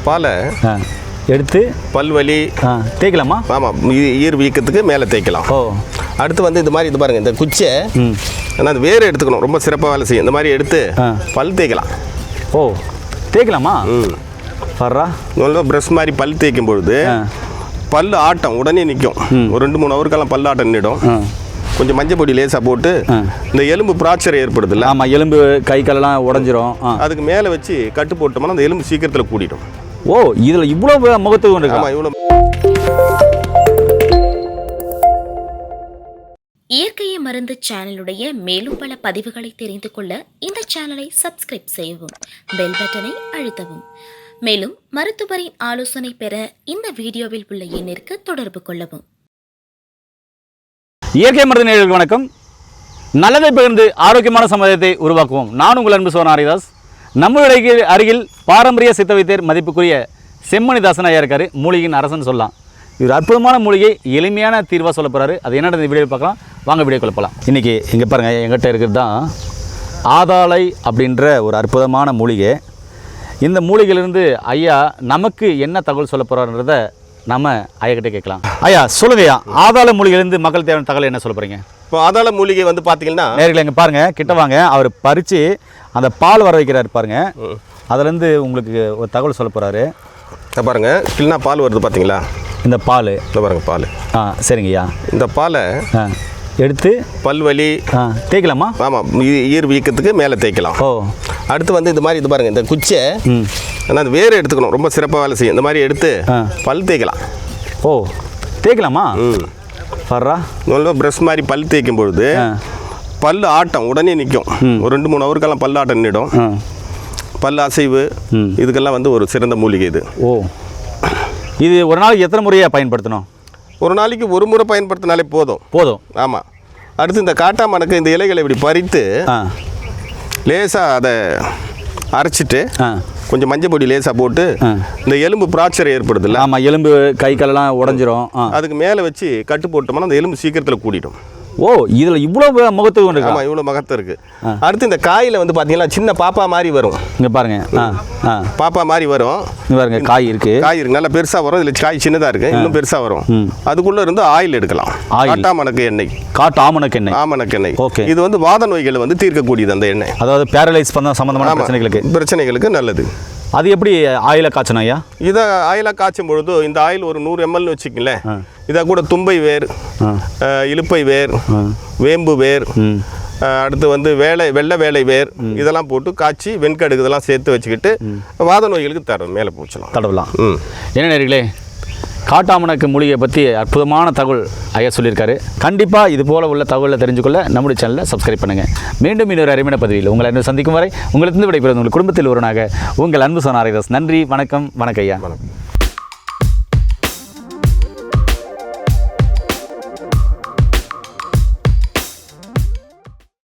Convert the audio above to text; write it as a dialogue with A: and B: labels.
A: பாலை
B: எடுத்து
A: பல்வலி
B: தேய்க்கலாமா?
A: ஆமாம், ஈர் வீக்கத்துக்கு மேலே தேய்க்கலாம்.
B: ஓ, அடுத்து
A: வந்து இந்த மாதிரி இது பாருங்கள், இந்த குச்சை ஆனால் அது வேறு எடுத்துக்கணும், ரொம்ப சிறப்பாக வேலை செய்யும். இந்த மாதிரி எடுத்து பல் தேய்க்கலாம்.
B: ஓ, தேய்க்கலாமா? வர்றா
A: நல்லா ப்ரஷ் மாதிரி பல் தேய்க்கும் பொழுது பல் ஆட்டம் உடனே நிற்கும். ஒரு 2-3 ஹவருக்கெல்லாம் பல் ஆட்டம் நின்றுடும். கொஞ்சம் மஞ்சள் பொடி லேசாக போட்டு இந்த எலும்பு பிராக்சர் ஏற்படுதுல்ல,
B: ஆமாம், எலும்பு கை காலெல்லாம் உடஞ்சிரும்.
A: அதுக்கு மேலே வச்சு கட்டு போட்டோம்னா அந்த எலும்பு சீக்கிரத்தில் கூடிடும்.
B: ஓ, இதில் இவ்வளோ முகத்துவம் இருக்கு.
A: ஆமாம், இவ்வளோ.
C: இயற்கையை மருந்து சேனலுடைய மேலும் பல பதிவுகளை தெரிந்து கொள்ள இந்த சேனலை சப்ஸ்கிரைப் செய்யவும், பெல் பட்டனை அழுத்தவும். மேலும் மருத்துவரின் ஆலோசனை பெற இந்த வீடியோவில் உள்ள எண்ணிற்கு தொடர்பு கொள்ளவும்.
B: இயற்கை மருந்து நேயர்களுக்கு வணக்கம். நல்லதை பகிர்ந்து ஆரோக்கியமான சமுதாயத்தை உருவாக்குவோம். நான் உங்கள் அன்பு சோனா ஹரிதாஸ். நம்மளுடைய அருகில் பாரம்பரிய சித்த வைத்தியர் மதிப்புக்குரிய செம்மணிதாசன் ஐயா இருக்காரு. மூலிகையின் அரசன் சொல்லலாம். இவர் அற்புதமான மூலிகை எளிமையான தீர்வாக சொல்ல போகிறாரு. அது என்னென்ன இந்த வீடியோ பார்க்கலாம், வாங்க வீடியோ கொள்ளப்பலாம். இன்றைக்கி இங்கே பாருங்கள், எங்கிட்ட இருக்கிறது தான் ஆதாளை அப்படின்ற ஒரு அற்புதமான மூலிகை. இந்த மூலிகையிலிருந்து ஐயா நமக்கு என்ன தகவல் சொல்ல போகிறாருன்றதை நம்ம ஐயாக்கிட்டே கேட்கலாம். ஐயா சொல்லுங்கய்யா, ஆதாள மூலிகையிலேருந்து மக்கள் தேவையான தகவல் என்ன சொல்ல போகிறீங்க?
A: இப்போ ஆதாள மூலிகை வந்து பார்த்தீங்கன்னா
B: நேரில் இங்கே பாருங்கள், கிட்ட வாங்க. அவர் பறித்து அந்த பால் வர வைக்கிறாரு பாருங்கள். அதுலேருந்து உங்களுக்கு ஒரு தகவல் சொல்ல போகிறாரு.
A: பாருங்கள், கிள்னா பால் வருது பார்த்தீங்களா? இந்த
B: பால்
A: இந்த பாருங்கள் பால்.
B: சரிங்கய்யா.
A: இந்த பாலை
B: எடுத்து
A: பல்வலி
B: தேய்க்கலாமா?
A: ஆமாம், ஈர் வீக்கத்துக்கு மேலே தேய்க்கலாம்.
B: ஓ,
A: அடுத்து வந்து இந்த மாதிரி இது பாருங்கள், இந்த குச்சை ஆனால் அது வேறு எடுத்துக்கணும், ரொம்ப சிறப்பாக வேலை செய்யும். இந்த மாதிரி எடுத்து பல் தேய்க்கலாம்.
B: ஓ, தேய்க்கலாமா? வர்றா
A: நல்லா ப்ரஷ் மாதிரி பல் தேய்க்கும் பொழுது பல் ஆட்டம் உடனே நிற்கும். ஒரு 2-3 ஹவருக்கெல்லாம் பல் ஆட்டம் நின்றுடும். பல் அசைவு இதுக்கெல்லாம் வந்து ஒரு சிறந்த மூலிகை இது.
B: ஓ, இது ஒரு நாளைக்கு எத்தனை முறையாக பயன்படுத்தணும்?
A: ஒரு நாளைக்கு ஒரு முறை பயன்படுத்தினாலே போதும். ஆமாம். அடுத்து இந்த காட்டாமணக்கு இந்த இலைகளை இப்படி பறித்து லேசாக அதை அரைச்சிட்டு கொஞ்சம் மஞ்சள் பொடி லேசாக போட்டு இந்த எலும்பு பிராக்சர் ஏற்படுதுல்ல,
B: ஆமாம், எலும்பு கை காலெல்லாம் உடஞ்சிரும்.
A: அதுக்கு மேலே வச்சு கட்டு போட்டோம்னா அந்த எலும்பு சீக்கிரத்தில் கூடிடும்.
B: ஓ, இதில் இவ்வளோ முகத்துவம் இருக்கு.
A: ஆமாம், இவ்வளோ மகத்துவம் இருக்குது. அடுத்து இந்த காயில் வந்து பார்த்தீங்கன்னா சின்ன பாப்பா மாதிரி வரும்.
B: இங்கே பாருங்க,
A: பாப்பா மாதிரி வரும்.
B: இங்கே பாருங்க, காய் இருக்குது
A: நல்லா பெருசாக வரும். இதில் காய் சின்னதாக இருக்குது, இன்னும் பெருசாக வரும். அதுக்குள்ளே இருந்து ஆயில் எடுக்கலாம். காட்டாமணக்கு எண்ணெய், ஆமணக்கு எண்ணெய்.
B: ஓகே.
A: இது வந்து வாத நோய்களை வந்து தீர்க்கக்கூடியது அந்த எண்ணெய்.
B: அதாவது பேரலைஸ் பண்ண சம்மந்தமான
A: பிரச்சனைகளுக்கு நல்லது.
B: அது எப்படி ஆயில காய்ச்சணும் ஐயா?
A: இதை ஆயிலாக காய்ச்சும் பொழுது இந்த ஆயில் ஒரு 100 ml வச்சுக்கங்களேன். இதை கூட தும்பை வேர், இலுப்பை வேர், வேம்பு வேர், அடுத்து வந்து வெள்ளை வேலை வேர் இதெல்லாம் போட்டு காய்ச்சி வெண்கடுகு இதெல்லாம் சேர்த்து வச்சுக்கிட்டு வாத நோய்களுக்கு மேலே பூச்சலாம்,
B: தடவலாம். என்ன நேர்களே, காட்டாமணக்கு மூலிகை பற்றி அற்புதமான தகவல் ஐயா சொல்லியிருக்காரு. கண்டிப்பாக இது போல் உள்ள தகவலை தெரிஞ்சுக்கொள்ள நம்முடைய சேனலை சப்ஸ்கிரைப் பண்ணுங்கள். மீண்டும் இன்னொரு அருமையான பதிவில் உங்களை அன்பு சந்திக்கும் வரை உங்களிருந்து விடைபெறுவது உங்கள் குடும்பத்தில் ஒருவனாக உங்கள் அன்பு சோனா ஹரிதாஸ். நன்றி, வணக்கம். வணக்கம் ஐயா.
A: வணக்கம்.